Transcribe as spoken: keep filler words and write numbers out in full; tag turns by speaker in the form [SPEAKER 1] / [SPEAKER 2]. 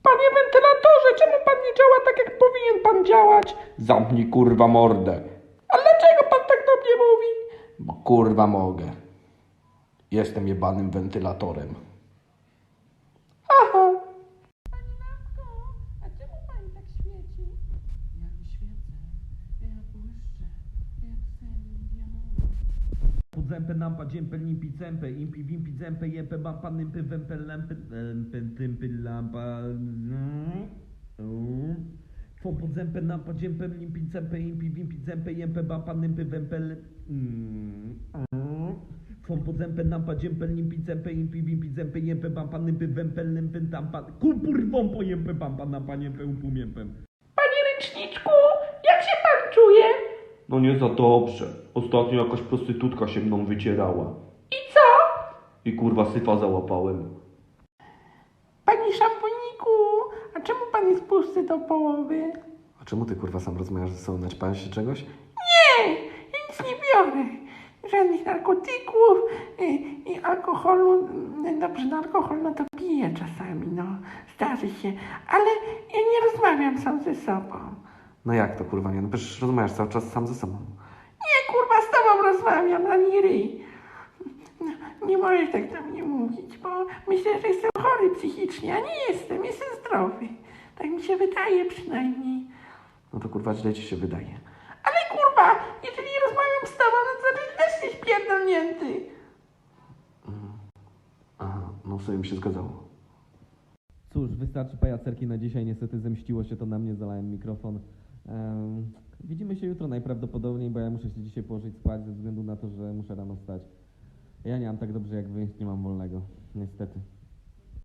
[SPEAKER 1] Panie wentylatorze, czemu pan nie działa tak, jak powinien pan działać? Zamknij kurwa mordę. A dlaczego pan tak do mnie mówi? Bo kurwa mogę. Jestem jebanym wentylatorem. Aha.
[SPEAKER 2] Pani lampko, a czemu pani tak świeci?
[SPEAKER 3] Ja nie świecę, ja błyszczę, jak sędzia.
[SPEAKER 4] Pod zępę nampa dziępę limpi cępę impi wimpi zępę jępę bampa nympy wępę lampy lampy tympy lampa Fą pod zępę nampa dziępę limpi cępę impi wimpi zępę jępę bampa nympy wępę Fą pod zępę nampa dziępę limpi cępę impi wimpi zępę jępę bampa nympy wępę lympy tampa kupurwą po jępę bampa nampa niempę upum jępem.
[SPEAKER 1] Panie ręczniczku, jak się pan czuje?
[SPEAKER 5] No nie za dobrze. Ostatnio jakaś prostytutka się mną wycierała.
[SPEAKER 1] I co?
[SPEAKER 5] I kurwa syfa załapałem.
[SPEAKER 1] Panie szamponiku, a czemu pan jest pusty do połowy?
[SPEAKER 6] A czemu ty kurwa sam rozmawiasz ze sobą? Naćpałeś się czegoś?
[SPEAKER 1] Nie, ja nic nie biorę. Żadnych narkotyków i, i alkoholu. Dobrze, no alkohol no to piję czasami, no. Zdarzy się. Ale ja nie rozmawiam sam ze sobą.
[SPEAKER 6] No jak to kurwa nie? No przecież rozmawiasz cały czas sam ze sobą.
[SPEAKER 1] Nie, kurwa, z tobą rozmawiam, ani ryj. No, nie możesz tak do mnie mówić, bo myślę, że jestem chory psychicznie, a nie jestem, jestem zdrowy. Tak mi się wydaje przynajmniej.
[SPEAKER 6] No to kurwa źle ci się wydaje.
[SPEAKER 1] Ale kurwa, jeżeli rozmawiam z tobą, no to ty też jesteś pierdolnięty.
[SPEAKER 6] Aha, no w sumie mi się zgadzało.
[SPEAKER 4] Cóż, wystarczy pajacerki na dzisiaj. Niestety zemściło się to na mnie, zalałem mikrofon. Ehm, widzimy się jutro najprawdopodobniej, bo ja muszę się dzisiaj położyć spać ze względu na to, że muszę rano wstać. Ja nie mam tak dobrze jak wy, nie mam wolnego. Niestety.